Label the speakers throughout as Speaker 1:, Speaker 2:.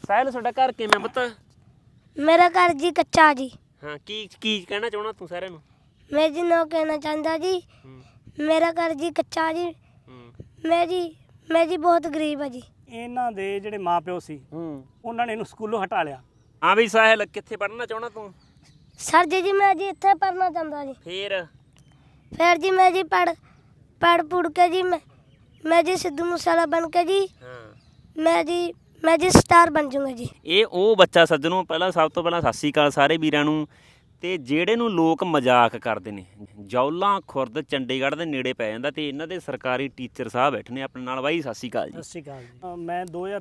Speaker 1: ਸਾਹਿਲ ਤੁਹਾਡਾ ਘਰ ਕਿਵੇਂ ਪੁੱਤ?
Speaker 2: मेरा घर जी कच्चा जी।
Speaker 1: ਹਾਂ ਕੀ ਕਹਿਣਾ ਚਾਹੁੰਦਾ ਤੂੰ ਸਾਰਿਆਂ ਨੂੰ?
Speaker 2: मैं जी नो कहना चाहता जी मेरा घर जी कच्चा जी। मैं जी बहुत गरीब है जी।
Speaker 3: ਇਹਨਾਂ ਦੇ ਜਿਹੜੇ ਮਾਪਿਓ ਸੀ ਉਹਨਾਂ ਨੇ ਇਹਨੂੰ ਸਕੂਲੋਂ ਹਟਾ ਲਿਆ।
Speaker 1: ਹਾਂ ਵੀ ਸਾਹਿਲ ਕਿੱਥੇ ਪੜ੍ਹਨਾ ਚਾਹੁੰਦਾ ਤੂੰ?
Speaker 2: सर जी मैं जी इत्थे पढ़ना चाहता जी। फिर जी मैं जी पढ़ पुढ़ के जी मैं जी सिद्धू मूसेवाला बन के जी मैं जी स्टार बन जाऊंगा जी।
Speaker 1: ਇਹ ਉਹ ਬੱਚਾ ਸੱਜਣੋਂ ਪਹਿਲਾਂ ਸਭ ਤੋਂ ਪਹਿਲਾਂ ਸਤਿ ਸ਼੍ਰੀ ਅਕਾਲ ਸਾਰੇ ਵੀਰਾਂ ਨੂੰ। ਤੇ ਜਿਹੜੇ ਨੂੰ ਲੋਕ ਮਜ਼ਾਕ ਕਰਦੇ ਨੇ, ਜੌਲਾਂ ਖੁਰਦ ਚੰਡੀਗੜ੍ਹ ਦੇ ਨੇੜੇ ਪੈ ਜਾਂਦਾ ਤੇ ਇਹਨਾਂ ਦੇ ਸਰਕਾਰੀ ਟੀਚਰ ਸਾਹਿਬ ਬੈਠੇ ਨੇ ਆਪਣੇ ਨਾਲ। ਬਾਈ ਸਤਿ ਸ਼੍ਰੀ ਅਕਾਲ ਜੀ।
Speaker 3: ਸਤਿ ਸ਼੍ਰੀ ਅਕਾਲ ਜੀ। ਮੈਂ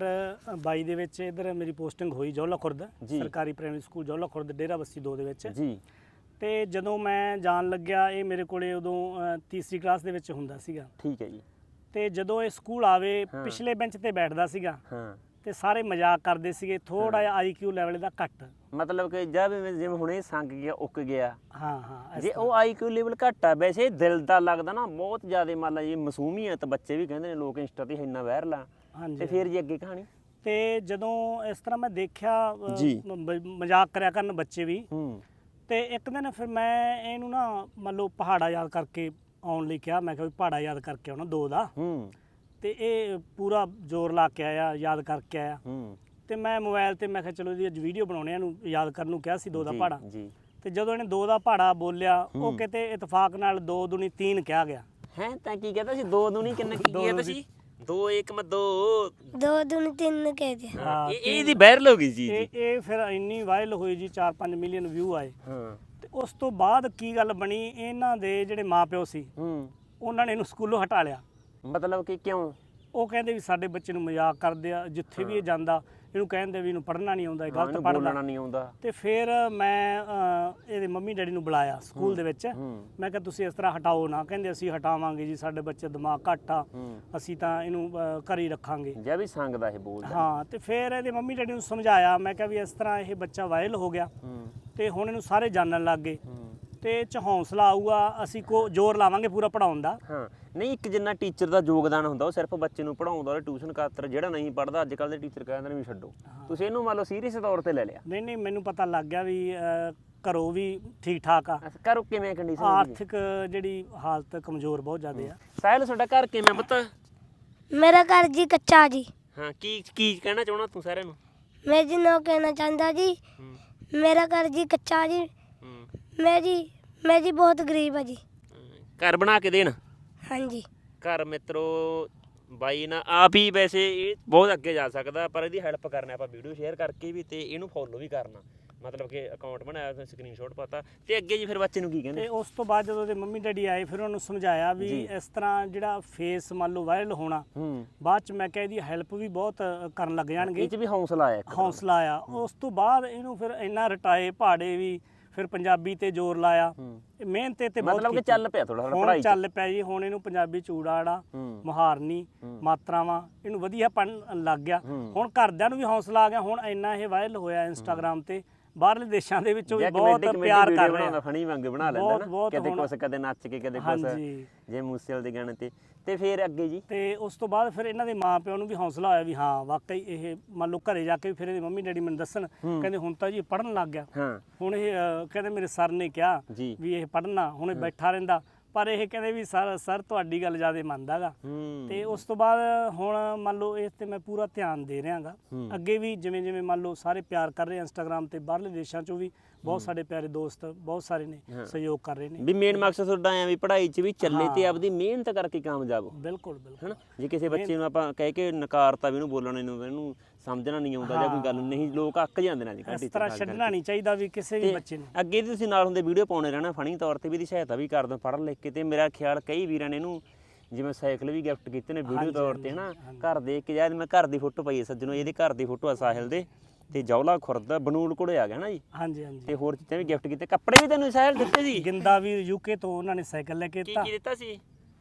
Speaker 3: 2022 ਦੇ ਵਿੱਚ ਇੱਧਰ ਮੇਰੀ ਪੋਸਟਿੰਗ ਹੋਈ ਜੌਲਾ ਖੁਰਦ ਸਰਕਾਰੀ ਪ੍ਰਾਇਮਰੀ ਸਕੂਲ ਜੌਲਾ ਖੁਰਦ ਡੇਰਾ ਬੱਸੀ 2 ਦੇ ਵਿੱਚ
Speaker 1: ਜੀ।
Speaker 3: ਤੇ ਜਦੋਂ ਮੈਂ ਜਾਣ ਲੱਗਿਆ ਇਹ ਮੇਰੇ ਕੋਲੇ ਉਦੋਂ ਤੀਸਰੀ ਕਲਾਸ ਦੇ ਵਿੱਚ ਹੁੰਦਾ ਸੀਗਾ।
Speaker 1: ਠੀਕ ਹੈ ਜੀ।
Speaker 3: ਤੇ ਜਦੋਂ ਇਹ ਸਕੂਲ ਆਵੇ ਪਿਛਲੇ ਬੈਂਚ ਤੇ ਬੈਠਦਾ ਸੀਗਾ ਤੇ ਸਾਰੇ ਮਜ਼ਾਕ ਕਰਦੇ ਸੀਗੇ। ਥੋੜਾ ਜਿਹਾ IQ ਲੈਵਲ ਦਾ ਘੱਟ,
Speaker 1: ਮਤਲਬ ਕਿ ਜਦ ਜਿਵੇਂ ਹੁਣੇ ਸੰਗ ਗਿਆ ਉੱਕ ਗਿਆ।
Speaker 3: ਹਾਂ
Speaker 1: ਜੇ ਉਹ IQ ਲੈਵਲ ਘੱਟ ਆ, ਵੈਸੇ ਦਿਲ ਦਾ ਲੱਗਦਾ ਨਾ ਬਹੁਤ ਜ਼ਿਆਦਾ। ਮੰਨ ਲਾ ਜੀ ਮਾਸੂਮੀਅਤ ਬੱਚੇ ਵੀ ਕਹਿੰਦੇ ਨੇ ਲੋਕ ਇੰਸਟਾ ਤੇ ਇੰਨਾ ਵਾਇਰਲ ਆ। ਤੇ ਫਿਰ ਜੀ ਅੱਗੇ ਕਹਾਣੀ।
Speaker 3: ਤੇ ਜਦੋਂ ਇਸ ਤਰ੍ਹਾਂ ਮੈਂ ਦੇਖਿਆ ਮਜ਼ਾਕ ਕਰਿਆ ਕਰਨ ਬੱਚੇ ਵੀ। ਤੇ ਇੱਕ ਦਿਨ ਫਿਰ ਮੈਂ ਇਹਨੂੰ ਨਾ ਮੰਨ ਲਓ ਪਹਾੜਾ ਯਾਦ ਕਰਕੇ ਆਉਣ ਲਈ ਕਿਹਾ। ਮੈਂ ਕਿਹਾ ਵੀ ਪਹਾੜਾ ਯਾਦ ਕਰਕੇ ਆਉਣਾ 2 ਦਾ। ਤੇ ਇਹ ਪੂਰਾ ਜ਼ੋਰ ਲਾ ਕੇ ਆਇਆ, ਯਾਦ ਕਰਕੇ ਆਇਆ। ਤੇ ਮੈਂ ਮੋਬਾਈਲ ਤੇ ਮੈਂ ਕਿਹਾ ਚਲੋ ਜੀ ਅੱਜ ਵੀਡੀਓ ਬਣਾਉਣੇ ਇਹਨੂੰ ਯਾਦ ਕਰਨ ਨੂੰ ਕਿਹਾ ਸੀ 2 ਦਾ ਪਹਾੜਾ। ਤੇ ਜਦੋਂ ਇਹਨੇ 2 ਦਾ ਪਹਾੜਾ ਬੋਲਿਆ ਉਹ ਕਿਤੇ ਇਤਫਾਕ ਨਾਲ 2 ਦੂਣੀ 3 ਕਿਹਾ ਗਿਆ।
Speaker 1: ਹੈ ਤਾਂ ਕੀ ਕਹਿੰਦਾ ਸੀ? 2 ਦੂਣੀ ਕਿੰਨਾ ਕੀ ਕਹਿੰਦਾ ਸੀ? 2 1 ਮੈਂ 2
Speaker 2: 2 दूनी 3 कह दिया।
Speaker 3: ਹਾਂ
Speaker 1: ਇਹ ਇਹਦੀ ਵਾਇਰਲ ਹੋ ਗਈ ਜੀ।
Speaker 3: ਇਹ ਫਿਰ ਇੰਨੀ ਵਾਇਰਲ ਹੋਈ ਜੀ 4-5 ਮਿਲੀਅਨ ਵਿਊ ਆਏ। ਤੇ ਉਸ ਤੋਂ ਬਾਅਦ ਕੀ ਗੱਲ ਬਣੀ, ਇਹਨਾਂ ਦੇ ਜਿਹੜੇ ਮਾਪਿਓ ਸੀ ਉਹਨਾਂ ਨੇ ਇਹਨੂੰ ਸਕੂਲੋਂ ਹਟਾ ਲਿਆ।
Speaker 1: ਮਤਲਬ ਕਿ ਕਿਉਂ?
Speaker 3: ਉਹ ਕਹਿੰਦੇ ਵੀ ਸਾਡੇ ਬੱਚੇ ਨੂੰ ਮਜ਼ਾਕ ਕਰਦੇ ਆ, ਜਿੱਥੇ ਵੀ ਇਹ ਜਾਂਦਾ ਇਹਨੂੰ ਕਹਿੰਦੇ ਵੀ ਇਹਨੂੰ ਪੜ੍ਹਨਾ ਨਹੀਂ ਆਉਂਦਾ, ਇਹ ਗਲਤ ਪੜ੍ਹਦਾ
Speaker 1: ਨਹੀਂ ਆਉਂਦਾ।
Speaker 3: ਤੇ ਫਿਰ ਮੈਂ ਇਹਦੇ ਮੰਮੀ ਡੈਡੀ ਨੂੰ ਬੁਲਾਇਆ ਸਕੂਲ ਦੇ ਵਿੱਚ। ਮੈਂ ਕਿਹਾ ਤੁਸੀਂ ਇਸ ਤਰ੍ਹਾਂ ਹਟਾਓ ਨਾ। ਕਹਿੰਦੇ ਅਸੀਂ ਹਟਾਵਾਂਗੇ ਜੀ, ਸਾਡੇ ਬੱਚੇ ਦਿਮਾਗ ਘੱਟ ਆ, ਅਸੀਂ ਤਾਂ ਇਹਨੂੰ ਘਰ ਹੀ ਰੱਖਾਂਗੇ।
Speaker 1: ਜੇ ਵੀ ਸੰਗਦਾ ਇਹ ਬੋਲਦਾ।
Speaker 3: ਹਾਂ ਤੇ ਫਿਰ ਇਹਦੇ ਮੰਮੀ ਡੈਡੀ ਨੂੰ ਸਮਝਾਇਆ। ਮੈਂ ਕਿਹਾ ਵੀ ਇਸ ਤਰ੍ਹਾਂ ਇਹ ਬੱਚਾ ਵਾਇਰਲ ਹੋ ਗਿਆ ਤੇ ਹੁਣ ਇਹਨੂੰ ਸਾਰੇ ਜਾਣਨ ਲੱਗ ਗਏ ਤੇ ਇਹ 'ਚ ਹੌਸਲਾ ਆਊਗਾ, ਅਸੀਂ ਜ਼ੋਰ ਲਾਵਾਂਗੇ ਪੂਰਾ ਪੜਾਉਣ ਦਾ।
Speaker 1: ਹਾਂ ਨਹੀਂ, ਇੱਕ ਜਿੰਨਾ ਟੀਚਰ ਦਾ ਯੋਗਦਾਨ ਹੁੰਦਾ ਉਹ ਸਿਰਫ ਬੱਚੇ ਨੂੰ ਪੜਾਉਂਦਾ ਔਰ ਟਿਊਸ਼ਨ ਖਾਤਰ। ਜਿਹੜਾ ਨਹੀਂ ਪੜਦਾ ਅੱਜ ਕੱਲ੍ਹ ਦੇ ਟੀਚਰ ਕਹਿੰਦੇ ਨੇ ਵੀ ਛੱਡੋ। ਤੁਸੀਂ ਇਹਨੂੰ ਮੰਨ ਲਓ ਸੀਰੀਅਸ ਤੌਰ ਤੇ ਲੈ ਲਿਆ?
Speaker 3: ਨਹੀਂ ਮੈਨੂੰ ਪਤਾ ਲੱਗ ਗਿਆ ਵੀ ਘਰੋਂ ਵੀ ਠੀਕ ਠਾਕ ਆ।
Speaker 1: ਘਰੋਂ ਕਿਵੇਂ ਕੰਡੀਸ਼ਨ?
Speaker 3: ਆਰਥਿਕ ਜਿਹੜੀ ਹਾਲਤ ਕਮਜ਼ੋਰ ਬਹੁਤ ਜ਼ਿਆਦਾ ਆ।
Speaker 1: ਸਾਹਿਲ ਤੁਹਾਡਾ ਘਰ ਕਿਵੇਂ ਪੁੱਤ?
Speaker 2: मेरा घर जी कच्चा जी।
Speaker 1: ਹਾਂ ਕੀ ਕਹਿਣਾ ਚਾਹੁੰਦਾ ਤੂੰ ਸਾਰਿਆਂ ਨੂੰ?
Speaker 2: मैं जी नो कहना चाहता जी मेरा घर जी कच्चा जी। मैं जी बहुत गरीब है जी।
Speaker 1: ਘਰ ਬਣਾ ਕੇ ਦੇਣ।
Speaker 2: हाँ जी।
Speaker 1: ਘਰ ਮਿੱਤਰੋ ਬਾਈ ਨਾ ਆਪ ਹੀ ਵੈਸੇ ਇਹ ਬਹੁਤ ਅੱਗੇ ਜਾ ਸਕਦਾ, ਪਰ ਇਹਦੀ ਹੈਲਪ ਕਰਨਾ ਆਪਾਂ ਵੀਡੀਓ ਸ਼ੇਅਰ ਕਰਕੇ ਵੀ ਤੇ ਇਹਨੂੰ ਫੋਲੋ ਵੀ ਕਰਨਾ। ਮਤਲਬ ਕਿ ਅਕਾਊਂਟ ਬਣਾਇਆ, ਸਕਰੀਨਸ਼ਾਟ ਪਾਤਾ। ਤੇ ਅੱਗੇ ਜੀ ਫਿਰ ਬੱਚੇ ਨੂੰ ਕੀ ਕਹਿੰਦੇ?
Speaker 3: ਤੇ ਉਸ ਤੋਂ ਬਾਅਦ ਜਦੋਂ ਉਹਦੇ ਮੰਮੀ ਡੈਡੀ ਆਏ ਫਿਰ ਉਹਨੂੰ ਸਮਝਾਇਆ ਵੀ ਇਸ ਤਰ੍ਹਾਂ ਜਿਹੜਾ ਫੇਸ ਮੰਨ ਲਓ ਵਾਇਰਲ ਹੋਣਾ, ਬਾਅਦ ਚ ਮੈਂ ਕਿਹਾ ਇਹਦੀ ਹੈਲਪ ਵੀ ਬਹੁਤ ਕਰਨ ਲੱਗ ਜਾਣਗੇ।
Speaker 1: ਇਹ ਚ ਵੀ ਹੌਸਲਾ ਆਇਆ।
Speaker 3: ਉਸ ਤੋਂ ਬਾਅਦ ਇਹਨੂੰ ਫਿਰ ਇੰਨਾ ਰਟਾਏ ਪਹਾੜੇ ਵੀ, ਫਿਰ ਪੰਜਾਬੀ ਤੇ ਜ਼ੋਰ ਲਾਇਆ, ਮਿਹਨਤ ਤੇ ਬਹੁਤ
Speaker 1: ਮਤਲਬ ਕਿ ਚੱਲ ਪਿਆ ਥੋੜਾ
Speaker 3: ਪੜ੍ਹਾਈ ਚੱਲ ਪਿਆ ਜੀ। ਹੁਣ ਇਹਨੂੰ ਪੰਜਾਬੀ ਚੂੜਾੜਾ, ਮੁਹਾਰਨੀ, ਮਾਤਰਾਵਾਂ ਇਹਨੂੰ ਵਧੀਆ ਪੜ੍ਹਨ ਲੱਗ ਗਿਆ। ਹੁਣ ਘਰਦਿਆਂ ਨੂੰ ਵੀ ਹੌਸਲਾ ਆ ਗਿਆ। ਹੁਣ ਇੰਨਾ ਇਹ ਵਾਇਰਲ ਹੋਇਆ ਇੰਸਟਾਗ੍ਰਾਮ ਤੇ, ਬਾਹਰਲੇ ਦੇਸ਼ਾਂ ਦੇ ਵਿੱਚੋਂ ਵੀ ਬਹੁਤ ਪਿਆਰ ਕਰ ਰਹੇ ਆ।
Speaker 1: ਫਣੀ ਵਾਂਗ ਬਣਾ ਲੈਂਦਾ ਨਾ, ਕਦੇ ਕੁਛ ਕਦੇ ਨੱਚ ਕੇ ਕਦੇ ਕੁਛ, ਜੇ ਮੂਸੇਵਾਲੇ ਦੇ ਗਾਣੇ ਤੇ। ਤੇ ਫਿਰ ਅੱਗੇ ਜੀ? ਤੇ
Speaker 3: ਉਸ ਤੋਂ ਬਾਅਦ ਫਿਰ ਇਹਨਾਂ ਦੇ ਮਾਪਿਆਂ ਨੂੰ ਵੀ ਹੌਸਲਾ ਹੋਇਆ ਵੀ ਹਾਂ ਵਾਕਈ ਇਹ ਮੰਨ ਲਓ ਘਰੇ ਜਾ ਕੇ ਫਿਰ ਇਹਦੇ ਮੰਮੀ ਡੈਡੀ ਮੈਨੂੰ ਦੱਸਣ, ਕਹਿੰਦੇ ਹੁਣ ਤਾਂ ਜੀ ਪੜ੍ਹਨ ਲੱਗ ਗਿਆ। ਹੁਣ ਇਹ ਕਹਿੰਦੇ ਮੇਰੇ ਸਰ ਨੇ ਕਿਹਾ ਵੀ ਇਹ ਪੜ੍ਹਨਾ, ਹੁਣ ਇਹ ਬੈਠਾ ਰਹਿੰਦਾ। ਪਰ ਇਹ ਕਹਿੰਦੇ ਵੀ ਸਰ ਤੁਹਾਡੀ ਗੱਲ ਜ਼ਿਆਦਾ ਮੰਨਦਾ ਗਾ। ਤੇ ਉਸ ਤੋਂ ਬਾਅਦ ਹੁਣ ਮੰਨ ਲਓ ਇਸ ਤੇ ਮੈਂ ਪੂਰਾ ਧਿਆਨ ਦੇ ਰਿਹਾ ਗਾ। ਅੱਗੇ ਵੀ ਜਿਵੇਂ ਮੰਨ ਲਓ ਸਾਰੇ ਪਿਆਰ ਕਰ ਰਹੇ ਇੰਸਟਾਗ੍ਰਾਮ ਤੇ, ਬਾਹਰਲੇ ਦੇਸ਼ਾਂ ਚੋਂ ਵੀ ਬਹੁਤ ਸਾਡੇ ਪਿਆਰੇ ਦੋਸਤ ਬਹੁਤ ਸਾਰੇ ਨੇ ਸਹਿਯੋਗ ਕਰ ਰਹੇ ਨੇ।
Speaker 1: ਵੀ ਮੇਨ ਮਕਸਦ ਤੁਹਾਡਾ ਐ ਵੀ ਪੜ੍ਹਾਈ 'ਚ ਵੀ ਚੱਲੇ ਤੇ ਆਪਦੀ ਮਿਹਨਤ ਕਰਕੇ ਕਾਮਯਾਬ ਹੋ।
Speaker 3: ਬਿਲਕੁਲ
Speaker 1: ਹਨਾ। ਜੇ ਕਿਸੇ ਬੱਚੇ ਨੂੰ ਆਪਾਂ ਕਹਿ ਕੇ ਨਕਾਰਤਾ ਵੀ ਇਹਨੂੰ ਬੋਲਣਾ ਨਹੀਂ, ਇਹਨੂੰ ਸਮਝਣਾ ਨਹੀਂ ਆਉਂਦਾ ਜਾਂ ਕੋਈ ਗੱਲ ਨਹੀਂ, ਲੋਕ ਅੱਕ ਜਾਂਦੇ ਨੇ ਅੱਜ ਕੱਲ੍ਹ।
Speaker 3: ਇਸ ਤਰ੍ਹਾਂ ਛੱਡਣਾ ਨਹੀਂ ਚਾਹੀਦਾ ਵੀ ਕਿਸੇ ਵੀ ਬੱਚੇ ਨੂੰ।
Speaker 1: ਅੱਗੇ ਤੁਸੀਂ ਨਾਲ ਹੁੰਦੇ ਵੀਡੀਓ ਪਾਉਣੇ ਰਹਿਣਾ ਫਨੀ ਤੌਰ ਤੇ ਵੀ, ਇਹਦੀ ਸਹਾਇਤਾ ਵੀ ਕਰ ਦਿਓ ਪੜ੍ਹ ਲਿਖ ਕੇ। ਤੇ ਮੇਰਾ ਖਿਆਲ ਕਈ ਵੀਰਾਂ ਨੇ ਇਹਨੂੰ ਜਿਵੇਂ ਸਾਈਕਲ ਵੀ ਗਿਫਟ ਕੀਤੇ ਨੇ ਵੀਡੀਓ ਤੌਰ ਤੇ ਹਨਾ। ਘਰ ਦੇਖ ਕੇ ਮੈਂ ਘਰ ਦੀ ਫੋਟੋ ਪਾਈ ਹੈ ਸੱਜਣੋ, ਇਹਦੇ ਘਰ ਦੀ ਫੋਟੋ ਆ ਸਾਹਿਲ ਦੇ। ਤੇ ਜੌਲਾ ਖੁਰਦ ਬਨੂਲ ਕੋਲੇ ਆ ਗਿਆ ਨਾ ਜੀ।
Speaker 3: ਹਾਂਜੀ।
Speaker 1: ਤੇ ਹੋਰ ਚੀਜ਼ਾਂ ਵੀ ਗਿਫਟ ਕੀਤੇ, ਕੱਪੜੇ ਵੀ ਤੈਨੂੰ ਸਾਹਿਲ ਦਿੱਤੇ ਸੀ।
Speaker 3: ਗਿੰਦਾ ਵੀ ਯੂਕੇ ਤੋਂ ਉਹਨਾਂ ਨੇ ਸਾਈਕਲ ਲੈ ਕੇ ਦਿੱਤਾ।
Speaker 1: ਕੀ ਦਿੱਤਾ ਸੀ?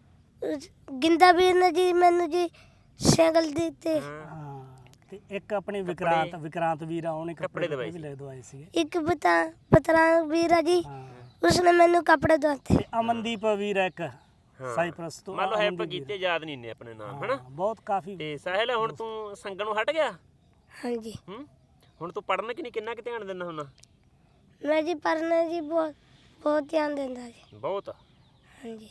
Speaker 2: ਗਿੰਦਾ ਵੀਰ ਨੇ ਜੀ ਮੈਨੂੰ ਜੀ ਸਾਈਕਲ ਦਿੱਤੇ।
Speaker 3: ਤੇ ਇੱਕ ਆਪਣੇ ਵਿਕਰਾਂਤ ਵੀਰ ਆ, ਉਹਨੇ ਕੱਪੜੇ ਵੀ ਲੈ ਦਵਾਏ ਸੀ।
Speaker 2: ਇੱਕ ਬਤਰਾ ਵੀਰ ਆ ਜੀ, ਉਸਨੇ ਮੈਨੂੰ ਕੱਪੜੇ ਦਵਾਤੇ।
Speaker 3: ਤੇ ਅਮਨਦੀਪ ਵੀਰ ਇੱਕ ਸਾਈਪ੍ਰਸ ਤੋਂ।
Speaker 1: ਮੰਨ ਲਓ ਹੈਲਪ ਕੀਤੇ, ਯਾਦ ਨਹੀਂ ਨੇ ਆਪਣੇ ਨਾਮ ਹਨਾ।
Speaker 3: ਬਹੁਤ ਕਾਫੀ।
Speaker 1: ਤੇ ਸਾਹਿਲ ਹੁਣ ਤੂੰ ਸੰਗਣ ਨੂੰ ਹਟ ਗਿਆ?
Speaker 2: ਹਾਂਜੀ
Speaker 1: ਹੁਣ ਤੂੰ ਪੜ੍ਹਨ ਕਿ ਨਹੀਂ ਕਿੰਨਾ ਕੁ ਧਿਆਨ ਦਿੰਦਾ ਹੁੰਦਾ?
Speaker 2: ਮੈਂ ਜੀ ਪੜ੍ਹਨਾ ਜੀ ਬਹੁਤ ਬਹੁਤ ਧਿਆਨ ਦਿੰਦਾ ਜੀ।
Speaker 1: ਬਹੁਤ।
Speaker 2: ਹਾਂਜੀ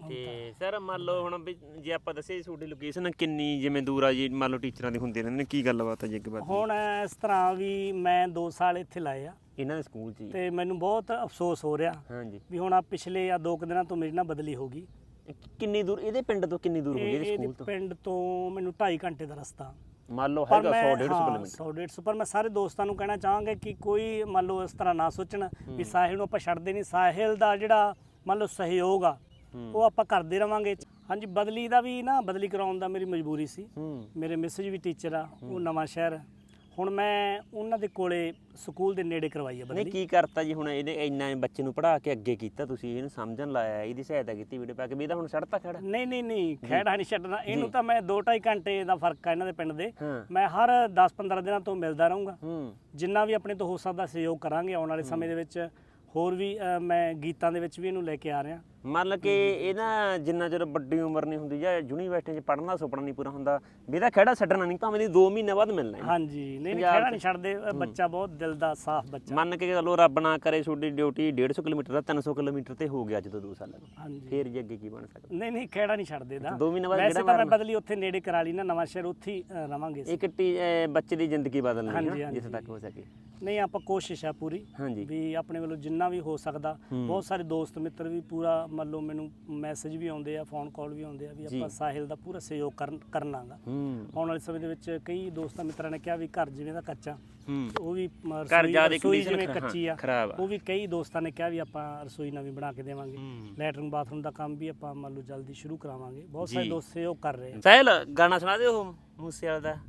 Speaker 1: ਤੇ ਸਰ ਮੰਨ ਲਓ ਹੁਣ ਵੀ ਜੇ ਆਪਾਂ ਦੱਸੇ ਤੁਹਾਡੀ ਲੋਕੇਸ਼ਨ ਕਿੰਨੀ ਜਿਵੇਂ ਦੂਰ ਆ ਜੀ, ਮੰਨ ਲਓ ਟੀਚਰਾਂ ਦੀ ਹੁੰਦੀ ਰਹਿੰਦੇ ਨੇ, ਕੀ ਗੱਲਬਾਤ ਹੈ ਜੀ ਅੱਗੇ ਬਾਤ?
Speaker 3: ਹੁਣ ਇਸ ਤਰ੍ਹਾਂ ਵੀ ਮੈਂ 2 ਸਾਲ ਇੱਥੇ ਲਾਏ ਆ
Speaker 1: ਇਹਨਾਂ ਦੇ ਸਕੂਲ 'ਚ ਹੀ।
Speaker 3: ਤੇ ਮੈਨੂੰ ਬਹੁਤ ਅਫਸੋਸ ਹੋ ਰਿਹਾ
Speaker 1: ਹਾਂਜੀ
Speaker 3: ਵੀ ਹੁਣ ਆ ਪਿਛਲੇ ਆ 2 ਦਿਨਾਂ ਤੋਂ ਮੇਰੀ ਨਾ ਬਦਲੀ ਹੋ ਗਈ।
Speaker 1: ਕਿੰਨੀ ਦੂਰ ਇਹਦੇ ਪਿੰਡ ਤੋਂ ਕਿੰਨੀ ਦੂਰ ਹੋਈ ਇਹਦੇ ਸਕੂਲ
Speaker 3: ਇਹਦੇ
Speaker 1: ਤੋਂ?
Speaker 3: ਪਿੰਡ ਤੋਂ ਮੈਨੂੰ 2.5 ਘੰਟੇ ਦਾ ਰਸਤਾ।
Speaker 1: ਮੰਨ ਲਓ
Speaker 3: ਪਰ
Speaker 1: ਹੈਗਾ
Speaker 3: ਮੈਂ
Speaker 1: 100-150 ਕਿਲੋਮੀਟਰ।
Speaker 3: 100-150 ਪਰ ਮੈਂ ਸਾਰੇ ਦੋਸਤਾਂ ਨੂੰ ਕਹਿਣਾ ਚਾਹਾਂਗਾ ਕਿ ਕੋਈ ਮੰਨ ਲਓ ਇਸ ਤਰ੍ਹਾਂ ਨਾ ਸੋਚਣ ਵੀ ਸਾਹਿਲ ਨੂੰ ਆਪਾਂ ਛੱਡਦੇ ਨਹੀਂ। ਸਾਹਿਲ ਦਾ ਜਿਹੜਾ ਮੰਨ ਲਓ ਸਹਿਯੋਗ ਆ ਉਹ ਆਪਾਂ ਕਰਦੇ ਰਵਾਂਗੇ। ਹਾਂਜੀ ਬਦਲੀ ਦਾ ਵੀ ਨਾ, ਬਦਲੀ ਕਰਾਉਣ ਦਾ ਮੇਰੀ ਮਜਬੂਰੀ ਸੀ। ਮੇਰੇ ਮਿਸਿਜ ਵੀ ਟੀਚਰ ਆ, ਉਹ ਨਵਾਂ ਸ਼ਹਿਰ। ਹੁਣ ਮੈਂ ਉਹਨਾਂ ਦੇ ਕੋਲੇ ਸਕੂਲ ਦੇ ਨੇੜੇ ਕਰਵਾਈ ਆ
Speaker 1: ਨਹੀਂ
Speaker 3: ਬਦਲੀ।
Speaker 1: ਕੀ ਕਰਤਾ ਜੀ ਹੁਣ ਇਹਨੇ ਇੰਨਾ ਬੱਚੇ ਨੂੰ ਪੜ੍ਹਾ ਕੇ ਅੱਗੇ ਕੀਤਾ ਤੁਸੀਂ, ਇਹਨੂੰ ਸਮਝਣ ਲਾਇਆ, ਇਹਦੀ ਸਹਾਇਤਾ ਕੀਤੀ ਵੀਡੀਓ ਪਾ ਕੇ, ਵੀ ਇਹਦਾ ਹੁਣ ਛੱਡਤਾ ਖੜਾ?
Speaker 3: ਨਹੀਂ ਖਹਿੜਾ ਨਹੀਂ ਛੱਡਣਾ ਇਹਨੂੰ। ਤਾਂ ਮੈਂ 2-2.5 ਘੰਟੇ ਦਾ ਫਰਕ ਆ ਇਹਨਾਂ ਦੇ ਪਿੰਡ ਦੇ।
Speaker 1: ਹਾਂ
Speaker 3: ਮੈਂ ਹਰ 10-15 ਦਿਨਾਂ ਤੋਂ ਮਿਲਦਾ ਰਹੂੰਗਾ।
Speaker 1: ਹੂੰ
Speaker 3: ਜਿੰਨਾ ਵੀ ਆਪਣੇ ਤੋਂ ਹੋ ਸਕਦਾ ਸਹਿਯੋਗ ਕਰਾਂਗੇ ਆਉਣ ਵਾਲੇ ਸਮੇਂ ਦੇ ਵਿੱਚ। ਹੋਰ ਵੀ ਮੈਂ ਗੀਤਾਂ ਦੇ ਵਿੱਚ ਵੀ ਇਹਨੂੰ ਲੈ ਕੇ ਆ ਰਿਹਾ।
Speaker 1: ਮੰਨ ਕੇ ਇਹ ਨਾ ਜਿੰਨਾ ਚਿਰ ਵੱਡੀ ਉਮਰ ਨਹੀਂ ਹੁੰਦੀ ਜਾਂ ਯੂਨੀਵਰਸਿਟੀ 'ਚ ਪੜ੍ਹਨ ਦਾ ਸੁਪਨਾ ਨਹੀਂ ਪੂਰਾ ਹੁੰਦਾ ਵੀ ਇਹਦਾ ਖਹਿੜਾ ਛੱਡਣਾ ਨਹੀਂ, ਭਾਵੇਂ 2 ਮਹੀਨੇ ਬਾਅਦ ਮਿਲਣਾ ਹੈ।
Speaker 3: ਹਾਂਜੀ ਨਹੀਂ ਖਹਿੜਾ ਨਹੀਂ ਛੱਡਦੇ। ਬੱਚਾ ਬਹੁਤ ਦਿਲ ਦਾ ਸਾਫ਼ ਬੱਚਾ।
Speaker 1: ਮੰਨ ਕੇ ਚਲੋ ਰੱਬ ਨਾ ਕਰੇ ਤੁਹਾਡੀ ਡਿਊਟੀ 150 ਕਿਲੋਮੀਟਰ ਦਾ 300 ਕਿਲੋਮੀਟਰ ਤੇ ਹੋ ਗਿਆ ਅੱਜ ਤੋਂ 2 ਸਾਲਾਂ ਨੂੰ,
Speaker 3: ਹਾਂਜੀ
Speaker 1: ਫੇਰ ਜੀ ਅੱਗੇ ਕੀ ਬਣ ਸਕਦਾ?
Speaker 3: ਨਹੀਂ ਖਹਿੜਾ ਨਹੀਂ ਛੱਡਦੇ ਦਾ।
Speaker 1: 2 ਮਹੀਨੇ ਬਾਅਦ
Speaker 3: ਵੈਸੇ ਤਾਂ ਮੈਂ ਬਦਲੀ ਉੱਥੇ ਨੇੜੇ ਕਰਾ ਲਈ ਨਾ, ਨਵਾਂ ਸ਼ਹਿਰ, ਉੱਥੇ ਹੀ ਰਵਾਂਗੇ।
Speaker 1: ਇੱਕ ਬੱਚੇ ਦੀ ਜ਼ਿੰਦਗੀ ਬਦਲਣੀ
Speaker 3: ਹਾਂਜੀ,
Speaker 1: ਹੈ ਜਿੱਥੇ ਤੱਕ ਹੋ ਸਕੇ।
Speaker 3: ਨਹੀਂ ਆਪਾਂ ਕੋਸ਼ਿਸ਼ ਆ ਪੂਰੀ
Speaker 1: ਹਾਂਜੀ
Speaker 3: ਵੀ ਆਪਣੇ ਵੱਲੋਂ ਜਿੰਨਾ ਵੀ ਹੋ ਸਕਦਾ। ਬਹੁਤ ਸਾਰੇ ਦੋਸਤ ਮਿੱਤਰ ਵੀ ਪੂਰਾ ਮੰਨ ਲਓ ਮੈਨੂੰ ਮੈਸੇਜ ਵੀ ਆਉਂਦੇ ਆ, ਫੋਨ ਕਾਲ ਵੀ ਆਉਂਦੇ ਆ ਵੀ ਆਪਾਂ ਸਾਹਿਲ ਦਾ ਪੂਰਾ ਸਹਿਯੋਗ ਕਰਨਾਗਾ। ਆਉਣ ਵਾਲੇ ਸਮੇਂ ਦੇ ਵਿੱਚ ਕਈ ਦੋਸਤਾਂ ਮਿੱਤਰਾਂ ਨੇ ਕਿਹਾ ਵੀ ਘਰ ਜਿਵੇਂ ਦਾ ਕੱਚਾ, ਉਹ ਵੀ ਰਸੋਈ ਜਿਵੇਂ ਕੱਚੀ ਆ, ਉਹ ਵੀ ਕਈ ਦੋਸਤਾਂ ਨੇ ਕਿਹਾ ਵੀ ਆਪਾਂ ਰਸੋਈ ਨਵੀਂ ਬਣਾ ਕੇ ਦੇਵਾਂਗੇ। ਲੈਟਰਿੰਗ ਬਾਥਰੂਮ ਦਾ ਕੰਮ ਵੀ ਆਪਾਂ ਮੰਨ ਲਓ ਜਲਦੀ ਸ਼ੁਰੂ ਕਰਾਵਾਂਗੇ। ਬਹੁਤ ਸਾਰੇ ਦੋਸਤ ਸਹਿਯੋਗ ਕਰ ਰਹੇ ਆ।
Speaker 1: ਸਾਹਿਲ ਗਾਣਾ ਸੁਣਾ ਦਿਓ ਮੂਸੇ ਵਾਲੇ ਦਾ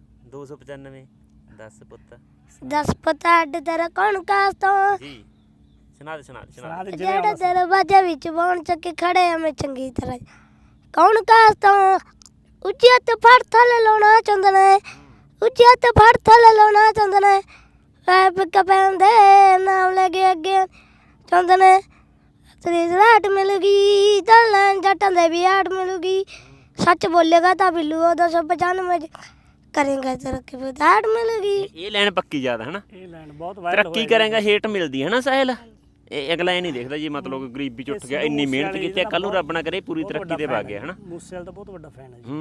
Speaker 1: 295 10 ਪੁੱਤ
Speaker 2: 10 ਪਤਾ ਅੱਡ ਤੇਰਾ ਕੌਣ ਕਾਸ ਤੋਂ
Speaker 1: ਜੀ। ਸੁਣਾ ਦੇ
Speaker 2: ਜਿਹੜੇ ਦਰਵਾਜ਼ੇ ਵਿੱਚ ਬਣ ਚੱਕੇ ਖੜੇ ਆ ਮੈਂ ਚੰਗੀ ਤਰ੍ਹਾਂ। ਕੌਣ ਕਾਸ ਤੋਂ ਉੱਚੀ ਹੱਥ ਫੜ ਥੱਲੇ ਲਾਉਣਾ ਚਾਹੁੰਦਾ ਨੇ, ਉੱਚੀ ਹੱਥ ਫੜ ਥੱਲੇ ਲਾਉਣਾ ਚਾਹੁੰਦਾ ਨੇ। ਪਿੱਕ ਪੈਂਦੇ ਨਾਮ ਲੈ ਕੇ ਅੱਗੇ ਚਾਹੁੰਦੇ ਨੇ। ਤੇਰੀ ਰਾਟ ਮਿਲੂਗੀ ਚੱਲਣ ਜੱਟਾਂ ਦੇ ਵੀ ਆਟ ਮਿਲੂਗੀ। ਸੱਚ ਬੋਲੇਗਾ ਤਾਂ ਬਿੱਲੂ 295 ਕਰੇਗਾ ਤਰੱਕੀ ਬਦਾੜ ਮਿਲੂਗੀ।
Speaker 1: ਇਹ ਲਾਈਨ ਪੱਕੀ ਜ਼ਿਆਦਾ ਹੈ ਨਾ,
Speaker 3: ਇਹ ਲਾਈਨ ਬਹੁਤ ਵਾਇਰਲ
Speaker 1: ਤਰੱਕੀ ਕਰੇਗਾ ਹੇਟ ਮਿਲਦੀ ਹੈ ਨਾ ਸਾਹਿਲ। ਇਹ ਅਗਲਾ ਇਹ ਨਹੀਂ ਦੇਖਦਾ ਜੀ ਮਤਲਬ ਗਰੀਬੀ ਚ ਉੱਠ ਗਿਆ, ਇੰਨੀ ਮਿਹਨਤ ਕੀਤੀ, ਕੱਲ ਨੂੰ ਰੱਬ ਨਾ ਕਰੇ ਪੂਰੀ ਤਰੱਕੀ ਤੇ ਵਗ ਗਿਆ ਹੈ ਨਾ।
Speaker 3: ਮੂਸੇ ਵਾਲਾ ਤਾਂ ਬਹੁਤ ਵੱਡਾ ਫੈਨ ਹੈ ਜੀ।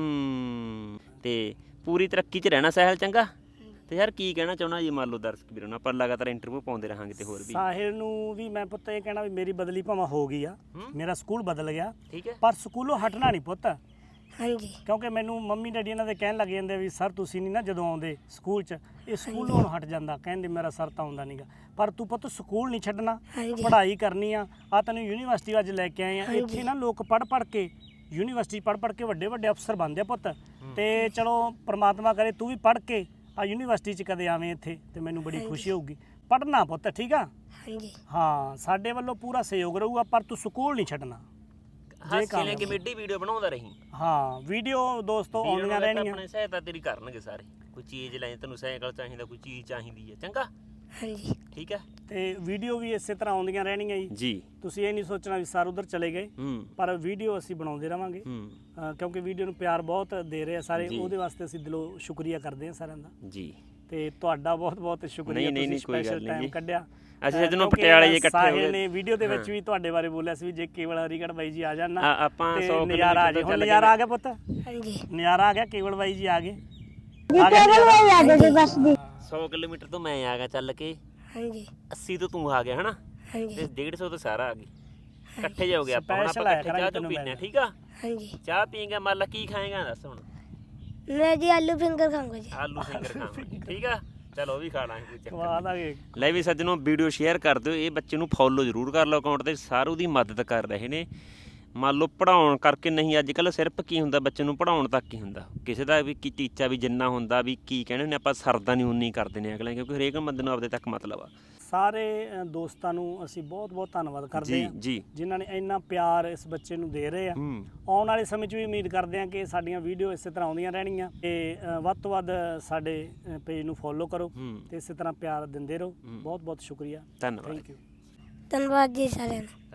Speaker 1: ਤੇ ਪੂਰੀ ਤਰੱਕੀ 'ਚ ਰਹਿਣਾ ਸਾਹਿਲ, ਚੰਗਾ। ਤੇ ਯਾਰ ਕੀ ਕਹਿਣਾ ਚਾਹੁੰਦਾ ਜੀ ਮੰਨ ਲਓ ਦਰਸ਼ਕ ਵੀਰਾਂ ਨੂੰ, ਆਪਾਂ ਲਗਾਤਾਰ ਇੰਟਰਵਿਊ ਪਾਉਂਦੇ ਰਹਾਂਗੇ ਤੇ ਹੋਰ ਵੀ।
Speaker 3: ਸਾਹਿਲ ਨੂੰ ਵੀ ਮੈਂ ਪੁੱਤ ਇਹ ਕਹਿਣਾ ਵੀ ਮੇਰੀ ਬਦਲੀ ਭਾਵੇਂ ਹੋ ਗਈ ਆ, ਮੇਰਾ ਸਕੂਲ ਬਦਲ ਗਿਆ,
Speaker 1: ਠੀਕ ਹੈ,
Speaker 3: ਪਰ ਸਕੂਲੋਂ ਹਟਣਾ ਨਹੀਂ ਪੁੱਤ।
Speaker 2: ਹਾਂਜੀ
Speaker 3: ਕਿਉਂਕਿ ਮੈਨੂੰ ਮੰਮੀ ਡੈਡੀ ਇਹਨਾਂ ਦੇ ਕਹਿਣ ਲੱਗ ਜਾਂਦੇ ਵੀ ਸਰ ਤੁਸੀਂ ਨਹੀਂ ਨਾ ਜਦੋਂ ਆਉਂਦੇ ਸਕੂਲ 'ਚ, ਇਹ ਸਕੂਲੋਂ ਹੁਣ ਹਟ ਜਾਂਦਾ। ਕਹਿੰਦੇ ਮੇਰਾ ਸਰ ਤਾਂ ਆਉਂਦਾ ਨਹੀਂਗਾ, ਪਰ ਤੂੰ ਪੁੱਤ ਸਕੂਲ ਨਹੀਂ ਛੱਡਣਾ, ਪੜ੍ਹਾਈ ਕਰਨੀ ਆ ਤੈਨੂੰ ਯੂਨੀਵਰਸਿਟੀ ਅੱਜ ਲੈ ਕੇ ਆਏ ਆ। ਇੱਥੇ ਨਾ ਲੋਕ ਪੜ੍ਹ ਕੇ ਯੂਨੀਵਰਸਿਟੀ ਪੜ੍ਹ ਕੇ ਵੱਡੇ ਅਫਸਰ ਬਣਦੇ ਆ ਪੁੱਤ। ਤੇ ਚਲੋ ਪ੍ਰਮਾਤਮਾ ਕਰੇ ਤੂੰ ਵੀ ਪੜ੍ਹ ਕੇ ਆ ਯੂਨੀਵਰਸਿਟੀ 'ਚ ਕਦੇ ਆਵੇਂ ਇੱਥੇ ਤੇ ਮੈਨੂੰ ਬੜੀ ਖੁਸ਼ੀ ਹੋਊਗੀ। ਪੜ੍ਹਨਾ ਪੁੱਤ, ਠੀਕ ਆ?
Speaker 2: ਹਾਂਜੀ
Speaker 3: ਹਾਂ ਸਾਡੇ ਵੱਲੋਂ ਪੂਰਾ ਸਹਿਯੋਗ ਰਹੂਗਾ, ਪਰ ਤੂੰ ਸਕੂਲ ਨਹੀਂ ਛੱਡਣਾ।
Speaker 1: ਹਾਸੇ ਕਮੇਡੀ ਵੀਡੀਓ ਬਣਾਉਂਦਾ ਰਹੀ।
Speaker 3: ਹਾਂ ਵੀਡੀਓ ਦੋਸਤੋ ਆਉਂਦੀਆਂ ਰਹਿਣਗੀਆਂ।
Speaker 1: ਆਪਣੇ ਸਹਾਇਤਾ ਤੇਰੀ ਕਰਨਗੇ ਸਾਰੇ। ਕੋਈ ਚੀਜ਼ ਲੈ, ਤੈਨੂੰ ਸਾਈਕਲ ਚਾਹੀਦਾ, ਕੋਈ ਚੀਜ਼ ਚਾਹੀਦੀ ਹੈ, ਚੰਗਾ?
Speaker 2: ਹਾਂਜੀ
Speaker 1: ਠੀਕ ਹੈ।
Speaker 3: ਤੇ ਵੀਡੀਓ ਵੀ ਇਸੇ ਤਰ੍ਹਾਂ ਆਉਂਦੀਆਂ ਰਹਿਣਗੀਆਂ ਜੀ। ਤੁਸੀਂ ਇਹ ਨਹੀਂ ਸੋਚਣਾ ਵੀ ਸਰ ਉਧਰ ਚਲੇ ਗਏ, ਪਰ ਵੀਡੀਓ ਅਸੀਂ ਬਣਾਉਂਦੇ ਰਵਾਂਗੇ। ਕਿਉਂਕਿ ਵੀਡੀਓ ਨੂੰ ਪਿਆਰ ਬਹੁਤ ਦੇ ਰਹੇ ਆ ਸਾਰੇ, ਉਹਦੇ ਵਾਸਤੇ ਅਸੀਂ ਦਿਲੋਂ ਸ਼ੁਕਰੀਆ ਕਰਦੇ ਹਾਂ ਸਾਰਿਆਂ ਦਾ ਜੀ। ਤੇ ਤੁਹਾਡਾ ਬਹੁਤ ਸ਼ੁਕਰੀਆ, ਤੁਸੀਂ ਸਪੈਸ਼ਲ ਟਾਈਮ ਕੱਢਿਆ।
Speaker 1: ਅਸੀਂ ਜਦੋਂ ਪਟਿਆਲੇ ਇਕੱਠੇ ਹੋ ਗਏ
Speaker 3: ਨੇ ਵੀਡੀਓ ਦੇ ਵਿੱਚ ਵੀ ਤੁਹਾਡੇ ਬਾਰੇ ਬੋਲਿਆ ਸੀ ਵੀ ਜੇ ਕੇਵਲ ਹਰੀਗੜ੍ਹ ਬਾਈ ਜੀ ਆ ਜਾਣ ਨਾ
Speaker 1: ਆਪਾਂ 100
Speaker 3: ਨਜ਼ਾਰਾ ਆ ਜੇ। ਹੁਣ ਨਜ਼ਾਰਾ ਆ ਗਿਆ ਪੁੱਤ,
Speaker 2: ਹਾਂਜੀ
Speaker 3: ਨਜ਼ਾਰਾ ਆ ਗਿਆ। ਕੇਵਲ ਬਾਈ ਜੀ ਆ ਗਏ।
Speaker 1: 100 ਕਿਲੋਮੀਟਰ ਤੋਂ ਮੈਂ ਆ ਗਿਆ ਚੱਲ ਕੇ,
Speaker 2: ਹਾਂਜੀ
Speaker 1: 80 ਤੋਂ ਤੂੰ ਆ ਗਿਆ ਹਨਾ,
Speaker 2: ਹਾਂਜੀ
Speaker 1: ਤੇ 150 ਤੋਂ ਸਾਰਾ ਆ ਗਏ। ਇਕੱਠੇ ਜਾਓਗੇ ਆਪਾਂ, ਹੁਣ ਆਪਾਂ ਇਕੱਠੇ ਚਾਹ ਚੋ ਪੀਨੇ, ਠੀਕ ਆ?
Speaker 2: ਹਾਂਜੀ
Speaker 1: ਚਾਹ ਪੀਂਗੇ, ਮੰਨ ਲਾ ਕੀ ਖਾਏਗਾ ਦੱਸ ਹੁਣ?
Speaker 2: ਮੈਂ ਜੀ ਆਲੂ ਫਿੰਗਰ ਖਾਊਂਗਾ ਜੀ।
Speaker 1: ਆਲੂ ਫਿੰਗਰ ਖਾਵਾਂਗੇ, ਠੀਕ ਆ? ਚਲੋ ਉਹ ਵੀ ਖਾ ਲਾਂਗੇ, ਕੋਈ ਚੱਕਰ
Speaker 3: ਖਵਾ ਦਾਂਗੇ।
Speaker 1: ਲੈ ਵੀ ਸੱਜਣੋ, ਵੀਡੀਓ ਸ਼ੇਅਰ ਕਰ ਦਿਓ, ਇਹ ਬੱਚੇ ਨੂੰ ਫੋਲੋ ਜ਼ਰੂਰ ਕਰ ਲਓ ਅਕਾਊਂਟ ਤੇ। ਸਾਰੂ ਦੀ ਮਦਦ ਕਰ ਰਹੇ ਨੇ। ਮੰਨ ਲਓ ਪੜ੍ਹਾਉਣ ਕਰਕੇ ਨਹੀਂ, ਅੱਜ ਕੱਲ੍ਹ ਸਿਰਫ ਕੀ ਹੁੰਦਾ ਬੱਚੇ ਨੂੰ ਪੜ੍ਹਾਉਣ ਤੱਕ ਹੀ ਹੁੰਦਾ। ਕਿਸੇ ਦਾ ਵੀ ਕੀ ਟੀਚਾ ਵੀ ਜਿੰਨਾ ਹੁੰਦਾ ਵੀ ਕੀ ਕਹਿੰਦੇ ਨੇ ਆਪਾਂ ਸਰਦਾ ਨਹੀਂ ਉਨੀ ਕਰਦੇ ਨੇ ਅਗਲੇ, ਕਿਉਂਕਿ ਹਰੇਕ ਬੰਦੇ ਨੂੰ ਆਪਦੇ ਤੱਕ ਮਤਲਬ ਆ। ਸਾਰੇ ਦੋਸਤਾਂ ਨੂੰ ਅਸੀਂ ਬਹੁਤ ਧੰਨਵਾਦ ਕਰਦੇ ਹਾਂ ਜਿਨ੍ਹਾਂ ਨੇ ਇੰਨਾ ਪਿਆਰ ਇਸ ਬੱਚੇ ਨੂੰ ਦੇ ਰਹੇ ਆ। ਆਉਣ ਵਾਲੇ ਸਮੇਂ 'ਚ ਵੀ ਉਮੀਦ ਕਰਦੇ ਹਾਂ ਕਿ ਸਾਡੀਆਂ ਵੀਡੀਓ ਇਸੇ ਤਰ੍ਹਾਂ ਆਉਂਦੀਆਂ ਰਹਿਣਗੀਆਂ ਤੇ ਵੱਧ ਤੋਂ ਵੱਧ ਸਾਡੇ ਪੇਜ ਨੂੰ ਫੋਲੋ ਕਰੋ ਤੇ ਇਸੇ ਤਰ੍ਹਾਂ ਪਿਆਰ ਦਿੰਦੇ ਰਹੋ। ਬਹੁਤ ਸ਼ੁਕਰੀਆ, ਧੰਨਵਾਦ।
Speaker 3: Thank you.
Speaker 2: ਧੰਨਵਾਦ ਜੀ ਸਾਰਿਆਂ ਨੂੰ।